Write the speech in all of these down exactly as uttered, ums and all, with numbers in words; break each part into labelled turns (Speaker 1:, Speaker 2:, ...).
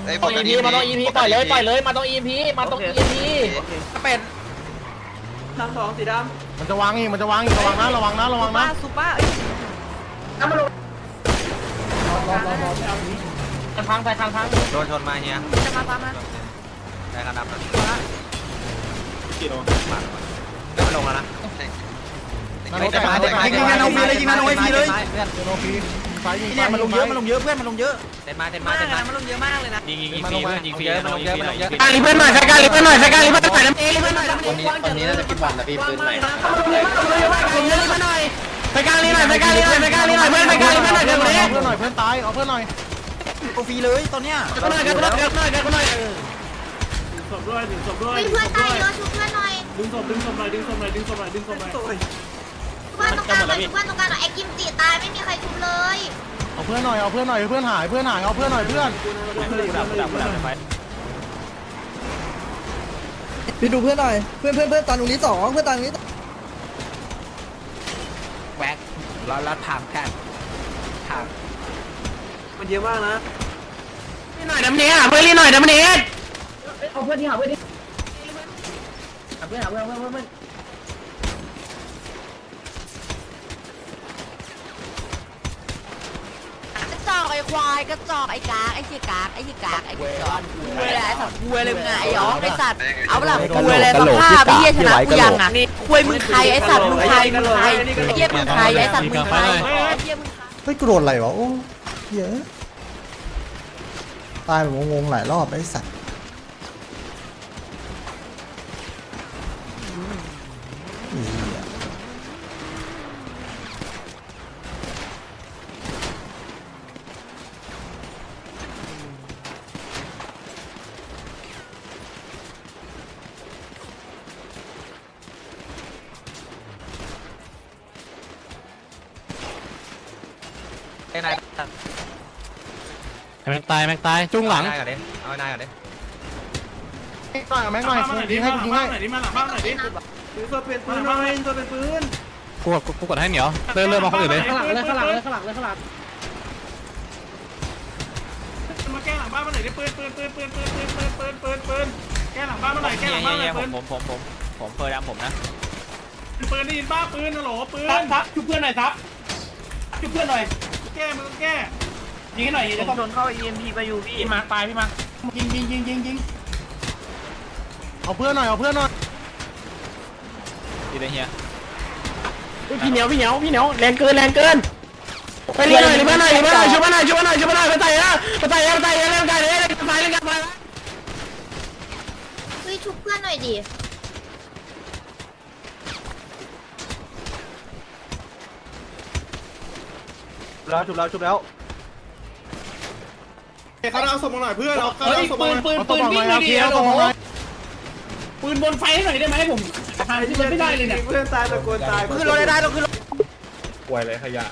Speaker 1: ต้องอีพีมาต้องอีพีปล่อยเลยปล่อยเลยมาต้องอีพีมาต้องอีพีเป็ด
Speaker 2: ทางสองสีดำ
Speaker 3: มันจะวางอีกมันจะวางอีกระวังนะระวังนะระวังนะ
Speaker 2: ซุปเปอร์น้ำมันลง
Speaker 1: คันพังใส่คันพัง
Speaker 4: โดนชนมาเฮีย
Speaker 2: จะมาตามมา
Speaker 4: ได้กระดับนะกี่โลมาได้มาลงแล้วนะ
Speaker 3: ยิงยิงนาโนฟีเลยยิงนาโนฟีเลยนาโนฟีไฟยิงเนี่ยมันลงเยอะมันลงเยอะเพื่อนมันลงเยอะ
Speaker 4: เต็มมาเต็ม
Speaker 2: มา
Speaker 4: มาเต็ม
Speaker 2: เล
Speaker 4: มาย
Speaker 2: มันลงเยอะมากเลยนะ
Speaker 4: ยิงยิงยิงฟรีเพื่อนยิงฟรีมันลงเยอะมันลงเยอะ
Speaker 1: การลิเพื่อนหน่อยใช้การลิเพื่อนหน่อยใช้การลิเพื่อนหน่อยน้ำเอลิเพื่อนหน่อย
Speaker 5: วันนี้วันนี้น่าจะกินวันนะพี่ปืนใหม่
Speaker 1: ผมเยอะลิเพื่อนหน่อยใช้การลิหน่อยใช้การลิหน่อยใช้การลิหน่อยเพื่อนใช้การลิเพื่อนหน่อยเดี๋ยวนี้
Speaker 3: เพื่อนหน่อยเพื่อนตายเอาเพื่อนหน่อย
Speaker 2: โอฟีเลยตอนเนี้ย
Speaker 1: เดี๋ยวหน่อยเดี๋ยวหน่อยเดี๋ยวหน่อยเดี๋ยวหน่อย
Speaker 6: ศพด้วยหนึ่งศพด้วย
Speaker 7: เพื่อนตายเยอะชุบเพื่อนหน่อย
Speaker 6: ดึงศพดึงศพหน่อยดึงศพหน่อยดึงศพหน่อยดึงศพหน่อย
Speaker 7: เพื่อนตรงกลางหน่อยชุบเพื่อนตรงกลางหน่อยไอ้กิมจิตายไม่มีใครชุบเลย
Speaker 3: เอาเพื่อนหน่อยเอาเพื่อนหน่อยเพื่อนหายเพื่อนหายเอาเพื่อนหน่อยเพื่อน
Speaker 2: พี่ดูเพื่อนหน่อยเพื่อนเพื่อนเพื่อนตอนตรงนี้สองเพื่อนตอนตรงนี้
Speaker 1: แหวกเราเราถามกันถาม
Speaker 2: มันเยอะมากนะ
Speaker 1: นี่หน่อยน้ำเนี้ยเพื่อนรีหน่อยน้ำเนี้ย
Speaker 2: เอาเพื่อนที่หาเพื่อนที่
Speaker 1: หาเพื่อนหาเพื่อนเพื่อนเพื่อน
Speaker 8: กระจอกไอ้ควายกระจอกไอ้กากไอ้เจี๊ยกากไอ้เจี๊ยกากไอ้กระจอกกูเลยไอ้สัตว์กูเลยมึงไงไอ้อ๋อไอ้สัตว์เอาเปล่ากูเลยสภาพไอ้เหี้ยชนะกูยังอ่ะคุยมึงใครไอ้สัตว์มึงใครมึงใครไอ้เหี้ยมึงใครไอ้สัตว์มึงใครไอ้เหี้ยมึงใคร
Speaker 9: เฮ้ยกูโดนอะไรวะโอ้เยอะตายแบบงงๆหลายรอบไอ้สัตว์อีเหี้ย
Speaker 4: ไอ้นาย
Speaker 1: แม็กตายแม็กตายจุ้งหลัง
Speaker 4: นายก่อนดิเอานายก่อนดิ
Speaker 3: หน่อยแม็กหน่อยยิงให้ยิงให้
Speaker 6: หน่อยดิมาหลังบ้านหน่อยดิ
Speaker 2: ถือตัวเป็นปืนหน่อยตัวเป็นปืน
Speaker 1: กูกูกดให้เหนียวเริ่มเริ่มมาคนอื่นเลย
Speaker 6: ข้างหลังเลยข้างหลังเลยข้างหลังเลยข้างหลังมาแก้หลังบ้านมาหน่อยดิปืนปืนปืนปืนปืนปืนปืนปืนปืนปืนแก้หลังบ้านมาหน่อยแก้หลังบ้านหน่อย
Speaker 4: ผ
Speaker 6: ปื
Speaker 4: ม
Speaker 6: น
Speaker 4: ผมผมผมผมเปิดดำผมนะ
Speaker 6: ปืนได้ยินบ้าปืนนะโหลปืนซับชุบเพื่อนหน่อยซับชุบเพื่อนหน่อยแก้มึงแก้ยิงให้หน่อยยิง
Speaker 2: ผมโดนเข้า อี เอ็ม พี ไปอยู่พี่
Speaker 6: พี่มาตายพี่มายิงยิงยิงยิงยิง
Speaker 3: เอาเพื่อนหน่อยเอาเพื่อนหน่อย
Speaker 4: ดีเลยเฮีย
Speaker 1: พี่เหนียวพี่เหนียวพี่เหนียวแรงเกินแรงเกินไปเรียนหน่อยรีบมาหน่อยรีบมาหน่อยช่วยมาหน่อยช่วยมาหน่อยช่วยมาหน่อยไปใส่นะไปใส่นะไปใส่นะเล่นกันเลยเล่นกันไปเล่นกันไป
Speaker 7: เฮ้ยชุบเพื่อนหน่อยดิ
Speaker 3: แล้วจุบแล้วจุบแล้ว
Speaker 6: เขาเอาศพมาหน่อยเพื่อนเอาเขา
Speaker 1: เฮ้ย
Speaker 6: เอาศพ
Speaker 1: ปื
Speaker 6: มาน
Speaker 1: ปืน
Speaker 3: เอา
Speaker 1: ปื
Speaker 3: ตัวน บอกห
Speaker 1: วิ่
Speaker 3: น่
Speaker 1: ง
Speaker 3: อย
Speaker 1: เล
Speaker 3: เอา
Speaker 1: ย
Speaker 3: เคี
Speaker 1: ดิ
Speaker 3: ยร์ตัวบอกหน่อย
Speaker 1: ปืนบนไฟให้หน่อยได้ไหมผมหาที่มันไม่ได้เลยเนี่ย
Speaker 2: เพื่อนตายตะโกนตาย
Speaker 3: ขึ้นรถได้ต้องขึ้นรถ
Speaker 5: ป่วยเลยขยะ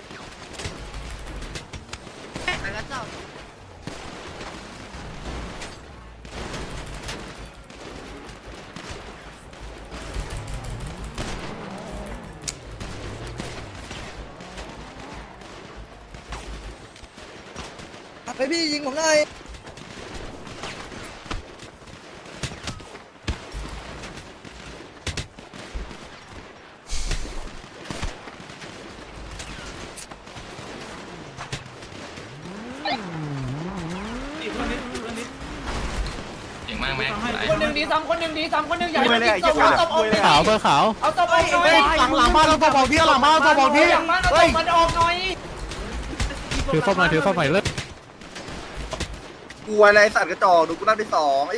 Speaker 8: ไอ้กระจอก
Speaker 2: ไปพี่ยิงผมหน่อย
Speaker 4: เก่งมากไหม
Speaker 1: คนหนึ่งดีซ้ำคนหนึ่งดีซ้ำคนหนึ่งอย่าให้ตบเอาตบออก
Speaker 3: ขาวเพื่อขาว
Speaker 1: เอาตบออกหน่อย
Speaker 3: หลังหลังบ้านเราตัวบอกพี่หลังบ้านเราตัวบอกพี่
Speaker 1: หลังบ้านเอาตบมันออกหน่อย
Speaker 3: ถือฟ้าหน่อยถือฟ้าหน่อยเลิก
Speaker 5: กูอะไรสัตว์กระจอกดูกูนั่งที่สองไอ้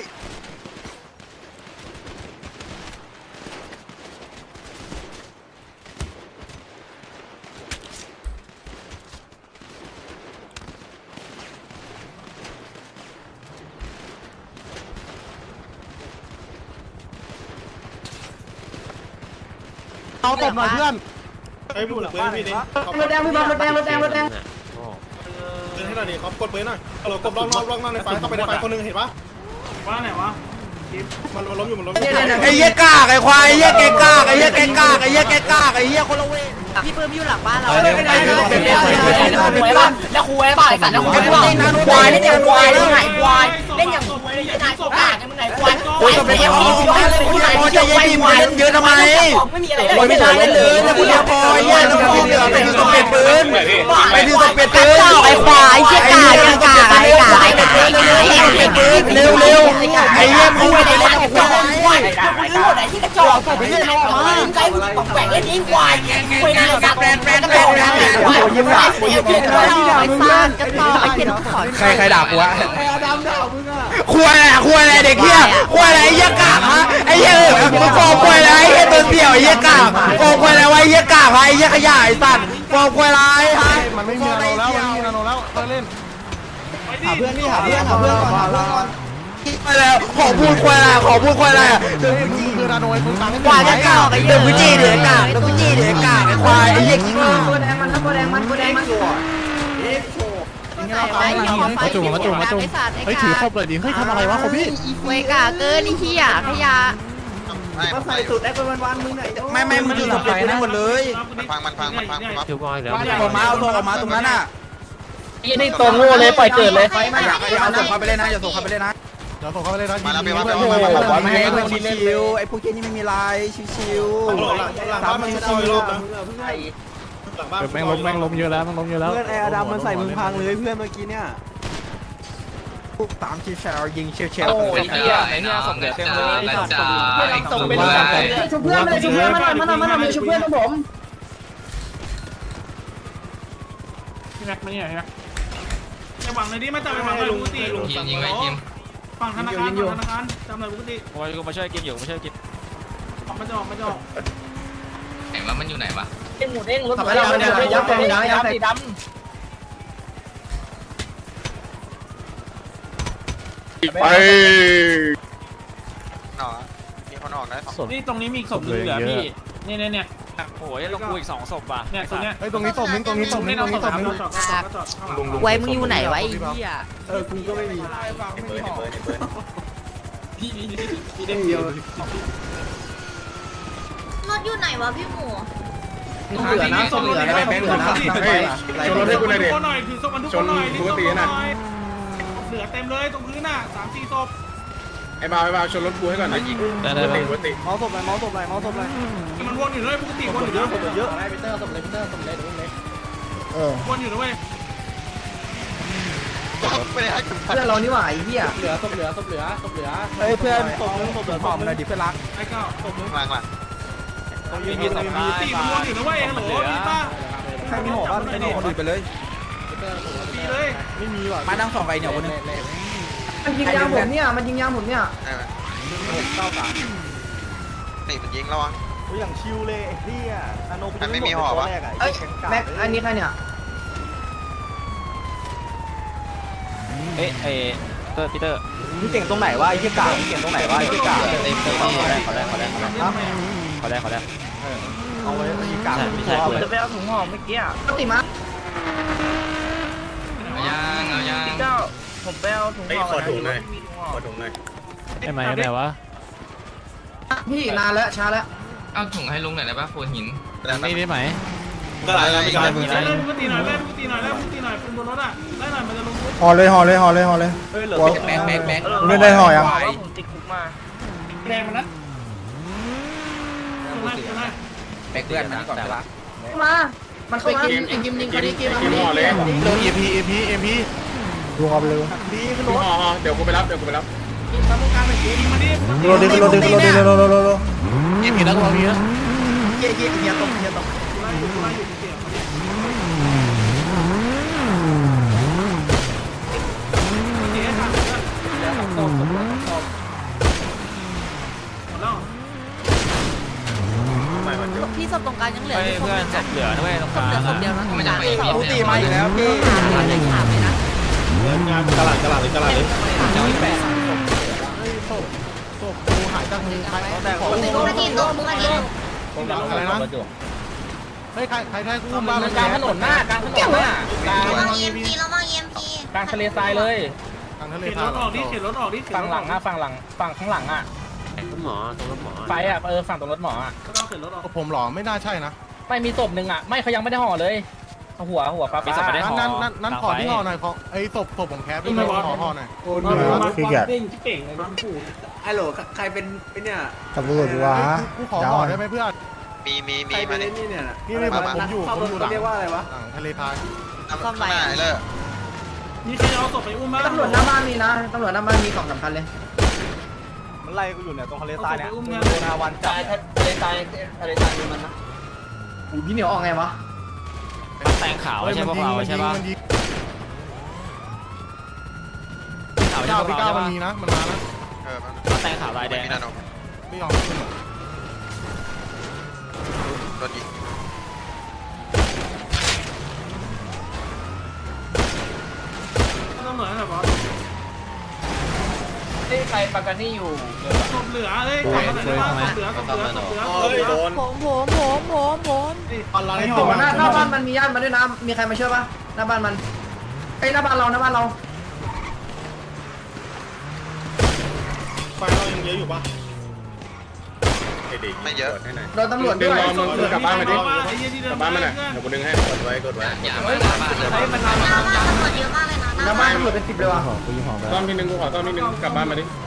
Speaker 3: เอาตบหน่อยเพื่อน
Speaker 6: ไอ้บุหลังปืนพี่ดิ
Speaker 1: รถแดงพี่บอลรถแดงรถแดงรถแดง
Speaker 6: ปืนให้หน่อยดิเขากดปืนหน่อยเรากดล็อกล็อกล็อกในไฟเข้าไปในไฟคนนึงเห็นปะว่าไหนวะมันล้มอยู่มันล้มอยู่
Speaker 2: ไอ้เหี้ยกากไอ้ควายไอ้เหี้ยแกกากไอ้เหี้ยแกกากไอ้เหี้ยแกกากไอ้เหี้ยคนละเว
Speaker 8: พี่ปืนอยู่หลังบ้านเรา
Speaker 1: แล้วคุยบ้าไอ้สัตว์แล้วคุยบ้าควายนี่เนี่ยควายแล้วไหนควาย
Speaker 2: เล่นเยอะทำไมโอ้ยไม่ได้เล่นเลยแต่คนเดียวพอไอ้เหี้ยต้องพูดเดี๋ยวไปถือสเปรย์ปืนไปถือสเปรย์
Speaker 8: กระ
Speaker 2: ปืน
Speaker 8: จอกไอ้ควายเชี่ยกากยังกากไอ้กากไอ้กากไอ้กากไอ้กาก
Speaker 2: เร็วเร็วไอ้เหี้ยพูดไปเล่นกับควาย
Speaker 8: ไอ้ที่กระจอกไปเล่นออกมาใจมึงตกแหวกเล่นยิงควายคุยนานกับแบรนด์แบรนด์แบรนด์แบรนด์ยิ้มด่ายิ้มด่าไอ้ซ่านกระจอกไอ้เหี้ยขอ
Speaker 2: ใครใครด่ากูวะควายอะไรควายอะไรเด็กเหี้ยควายอะไรไอ้เหี้ยกากฮะไอ้เหี้ยมึงฟอร์มควายอะไรไอ้เหี้ยตัวเสี่ยวไอ้เหี้ยกากฟอร์มควายอะไรวะไอ้เหี้ยกากไอ้เหี้ยขยะไอ้สัตว์ฟอร์มควายอะไรฮะ
Speaker 3: มันไม่มีนาโนแล้วมันไม่มีนาโนแล้วเล่น
Speaker 6: หาเพื่อนนี่หาเพื่อนหาเพื่อนก่อนหาเพื่อนก่อน
Speaker 2: ไปแล้วขอพูดควายอะไรขอพูดควายอะไรอ่ะ
Speaker 3: มึงคือนาโนไอ้มึงตังค์
Speaker 8: ควายกระจอกไอ้
Speaker 2: เดี๋ยวกูจี้เดี๋ยวกากเดี๋ยวกูจี้เดี๋ยวกากไอ้ควายไอ้เหี้ยกิ้งก่า
Speaker 3: มาจุ่มมาจุ่มมาจุ่มเฮ้ยถือครบเลยดิเฮ้ยทำอะไรวะครบพี่
Speaker 8: เวกาเกินไอ้เหี้ยขยะ
Speaker 5: ก็ใส่สุดได้เป็นวันๆมึงไหน
Speaker 2: ไม่ไม่มึงถือสเปรย์นั่นหมดเลย
Speaker 5: ฟังมันฟังมันฟังมัน
Speaker 4: คิวบอยแล้ว
Speaker 2: ออกมาเอาตัวออกมาตรงนั้นอ่ะ
Speaker 1: นี่ตัวโง่เลยปล่อยเกิดเลย
Speaker 2: อย่าอย่าเอาส่งเขาไปเล่นนะอย่าส่งเขาไปเล่นนะ
Speaker 3: เดี๋ยวส่งเข้าไปเลยนะ
Speaker 5: มาแล้วไปมา
Speaker 2: โอ้
Speaker 5: ไป
Speaker 2: โห
Speaker 5: มา
Speaker 2: บอกว่าไม่ให้เพื่อนชิวๆไอ้พวกเกนี่ไม่มีลายชิว
Speaker 6: หลังบ้านมันเอาอีกรอบนะหลังบ้าน
Speaker 3: แม่งล้มแม่งล้มเยอะแล้วแม่งล้มเยอะแล้ว
Speaker 2: เพื่อนไอ้อดัมมันใส่มึงพังเลยเพื่อนเมื่อกี้เนี่ยตามที่แชร์ยิงเชียวเชียว
Speaker 4: โอ้ยเหี้ยไอ้เนี่ยส่งเดี๋ยวเต็มเลยส่งไปเลย
Speaker 1: ชุบเพื่อนเลยชุบเพื่อนมาหน่อยมาหน่อยมาหน่อยชุบเพื่อนของผม
Speaker 6: พี่แม็กมาเนี่ยพี่แม็กจะหวังเลยดิไม่จับไปหวังเลยปกติยิงยิงไปยิงฝั่งธนาคารฝั่งธนาคารจำเลยปกติ
Speaker 4: โอ้ยกูมาช่วยกินอยู่มาช่วยกิน
Speaker 6: ออกมาจะออกมาจะออก
Speaker 4: ไหนวะมันอยู่ไหนวะ
Speaker 1: เด้งหมูเด้งรถไฟดำเนี่ยยับยับยับยับสีดำ
Speaker 5: ไปหนอมีคนออกได้สอง
Speaker 6: นี่ตรงนี้มีศพเหลือพี่เนี่ยเนี่ยเนี่ย
Speaker 4: โอ้ยลงกูอีกสองศพว่ะ
Speaker 6: เนี่ยตรงเนี้ย
Speaker 3: เฮ้ยตรงนี้ศพนึงตรงนี้ศพนึงตรงนี้ศพนึง
Speaker 8: ไว้มึงอยู่ไหนวะไอ้เหี้ย
Speaker 6: เออกูก็ไม่มีพี่พี่พี่เด้งเดียว
Speaker 7: รถอยู่ไหนวะพี่หมู
Speaker 6: เหลือนะศพเหลือนะแบงค์เหลือนะชนรถให้กูหน่อยดิหน่อยถือศพมันทุกคนหน่อยปกตินะเหลือเต็มเลยตรงพื้นน่ะสามสี่ศพ
Speaker 5: ไอ้บ่าวไอ้บ่าวชนรถกูให้ก่อนนะยิง
Speaker 4: ได้ได้ได้
Speaker 5: ปกติ
Speaker 3: เมาส์ศพเลยเมาส์ศพเลยเมาส์ศพเลย
Speaker 6: มันวนอยู่เลยปกติวนอยู่เยอะเยอะ
Speaker 1: ไปเตอร์สมเลยเตอร์สมเลยเล็ก
Speaker 9: เออ
Speaker 6: วนอยู่นะเว้ย
Speaker 5: ไม่ได้ให้
Speaker 1: เพื่อนเรานี่หว่าไอ้เหี้ยเหลือศพเหลือศพเหลือศพเหลือ
Speaker 2: เฮ้ยเพื่อนตกนึงตกเหลือผอมเลยดิเพื่อนรัก
Speaker 6: ไอ้เก้าศพนึง
Speaker 5: หลังหลัง
Speaker 4: มีมีสอง
Speaker 6: ปกติมันวนอยู่นะเว้ยฮัลโหลมีป้า
Speaker 2: ใครมีหัวบ้างไม่มีคนอื่นไปเลย
Speaker 6: ปีเลย
Speaker 3: ไม่มีว่ะ
Speaker 2: มานั่งสองไอ้เหนียวคนนึง
Speaker 1: มันยิงยางผมเนี่ยมันยิงยางผมเนี่ย
Speaker 5: ได้ไหมตีมันยิงระวัง
Speaker 3: อย่างชิวเลยไอ้เหี้ยนาโน
Speaker 5: มันไม่มีห่อวะ
Speaker 1: เอ้ยแม็กอันนี้ใครเนี่ย
Speaker 4: เอ๊ะเอเตอร์พีเตอร์
Speaker 2: มึงเก่งตรงไหนวะไอ้เหี้ยกามึงเก่งตรงไหนวะไอ้เหี้ยกา
Speaker 4: เต็มเต็มขอได้ขอได้ขอได้ขอได้ขอได้ขอได้
Speaker 2: เอาไว้ไอ้เหี้ยกา
Speaker 4: ไม่ใช่กู
Speaker 1: จะไปเอาถุงห่อเมื่อกี้อ่ะปกติมา
Speaker 4: เอายางเอายาง
Speaker 1: เจ้าผมไปเอาถุงห่อ
Speaker 5: ขอถุงหน่อยขอถุงหน่อย
Speaker 3: ไอ้ไหมไอ้ไหนวะ
Speaker 1: พี่นานแล้วช้าแล้ว
Speaker 4: เอาถุงให้ลุงหน่อยได้ป่ะโฟหิน
Speaker 3: นี่ได้ไหม
Speaker 5: ก็หลายอะไรกัน
Speaker 6: ไล่ปกติหน่อยไล่ปกติหน่อยไล่ปกติหน่อยปืนบนรถอ่ะไล่หน่อยมันจะลงปุ๊บ
Speaker 9: ห่อเลยห่อเลยห่อเลยห่อเลย
Speaker 2: เฮ้ยเหลือแบงแบงแบง
Speaker 9: เล่นได้ห่อยัง
Speaker 1: ผมติดคุกมา
Speaker 6: แดงมันนะไล่ไล่
Speaker 2: แบงเพื่อนมันก่อนเวลา
Speaker 1: มามันเข้ามาไอ้กิมยิงเขาดิกิม
Speaker 5: กินห่อเลย
Speaker 3: โดนเอ็มพีเอ็มพีเอ็มพี
Speaker 9: ดูเอาไปเลย
Speaker 5: ห่อห่อเดี๋ยวกูไปรับเดี๋ยวกูไปรับ
Speaker 6: ยิงตามกลางหน่อยยิงมาดิ
Speaker 9: โรดิโรดิโรดิโรดิโรดิโรดิ
Speaker 3: เอ็มพีแล้วตัวมีนะ
Speaker 2: เหี้ยเหี้ยเหี้ยตรงเหี้ยตรง
Speaker 6: ไล่อยู่ไล่อยู่เสียเจ๊ทำเลยหมดแล้ว
Speaker 8: พี่ศพตรงกลางยังเหลือ
Speaker 4: เฮ้ยเพื่อนศพเหลือด้วยตรง
Speaker 8: ศ
Speaker 4: ก
Speaker 8: พ
Speaker 4: ลาง
Speaker 8: เหลือศพเดียวนะ
Speaker 4: มันจะไปมี
Speaker 2: กูตีมาอีกแล้วพี่
Speaker 8: ขาดเลยขาดเลยนะ
Speaker 6: ตลาดตลาดเลยตลาดเลย
Speaker 8: ขาดเลยแปด
Speaker 3: ศพศพกูหายจากมือใครเขาแต่
Speaker 7: ปกติปกติตกปกติ
Speaker 3: อะไรนะเฮ้ยใครใครใครกูบ้ามัน
Speaker 1: กลางถนนหน้ากลางถนนหน้ากลาง
Speaker 7: ระวังเอ็มพีระวังเอ็มพี
Speaker 1: กลางทะเลทรายเลย
Speaker 3: ทางทะเล
Speaker 6: เข็น
Speaker 3: ทาร
Speaker 6: ถออกดิเข็นรถออกดิ
Speaker 1: ฝั่งหลังอ่ะฝั่งหลังฝั่งข้างหลังอ่ะ
Speaker 4: หมอตรงรถหมอ
Speaker 1: ไฟอ่ะเออฝั่งตรงรถหมออ่ะ
Speaker 6: ก็ต้องเข็นรถออก
Speaker 3: ผมหรอไม่น่าใช่นะ
Speaker 1: ไม่มีศพหนึ่งอ่ะไม่เขายังไม่ได้ห่อเลย
Speaker 3: หัวหัวปลาปลา
Speaker 6: นั่นนั่นนั่นขอที่ห่อหน่อยขอไอ้ศพศพของแคปด้วยขอห่อหน่อย
Speaker 9: ขี้เกียจ
Speaker 5: ไอ้โหลใครเป็นไอ้เนี่ย
Speaker 9: ตำรวจวะ
Speaker 6: กูขอห่อได้ไหมเพื่อน
Speaker 4: มีมีมี
Speaker 5: ใครเป็
Speaker 4: มาน
Speaker 5: ไอ้
Speaker 4: นี่
Speaker 5: นี่เนี่ย
Speaker 6: นี่เลยผมผมอยู่ผมอยู่หลัง
Speaker 5: เรียกว่าอะไรวะ
Speaker 6: หลังทะเลพาย
Speaker 8: ซ่อมไหน
Speaker 4: ไหนเลย
Speaker 6: มีใครเอาศพไปอุ้มบ้าง
Speaker 5: ตำรวจหน้าบ้านมีนะตำรวจหน้าบ้านมีของสำคัญเลย
Speaker 3: มันไล่กูอยู่เนี่ยตรงทะเลทรายเนี่ย
Speaker 6: อุ้ม
Speaker 3: โด
Speaker 6: เงิน
Speaker 3: นอาวันจับ
Speaker 5: ทะเลทรายทะเลทรายมันนะอูพี่เหนียวออกไงวะ
Speaker 3: แตงขาวใช่พวกเราใช่ป่ะขาวใช่
Speaker 6: เก้า
Speaker 3: พวก
Speaker 6: พี่เก้า
Speaker 3: เรา
Speaker 6: มันมีนะมันมานะ
Speaker 4: เออ
Speaker 3: แตงขาวลายแดง
Speaker 4: มีนาโน
Speaker 6: ไม่ยอมขึ้น
Speaker 4: โดนยิง
Speaker 6: ต้องเหลือแบบว่า
Speaker 5: ใครประกันนี่อยู่
Speaker 6: ศพเหลือเอ้ยขอหน่อยได้ป่ะศพเหลือศพเหลือศพเหลือ
Speaker 5: โดน
Speaker 8: ผมผมผมผมผม
Speaker 6: อะไร
Speaker 5: หน้าหน้าบ้านมันมีญาติมาด้วยนะมีใครมาช่วยปะหน้าบ้านมันไอ้หน้าบ้านเราหน้าบ้านเรา
Speaker 6: ไฟเรายังเยอะอยู่ปะ
Speaker 4: ไม่เยอะ
Speaker 5: โดนตำรวจด้วย
Speaker 6: กลับบ้านมาดิ
Speaker 5: กลับบ้านมาหน่อยเดี๋ยวกูดึงให้กดไว้กดไว้
Speaker 4: อย่ามาหน้าบ้านเลย
Speaker 5: เฮ้ยมัน
Speaker 7: หน้าบ้านตำรวจเยอะมากเลยนะ
Speaker 5: หน้าบ้านตำรวจเป็นสิบเลยว่ะ
Speaker 9: กูยี่ห้อไป
Speaker 5: ต้อมนิดนึงกูขอต้อมนิดนึงกลับบ้านมาดิ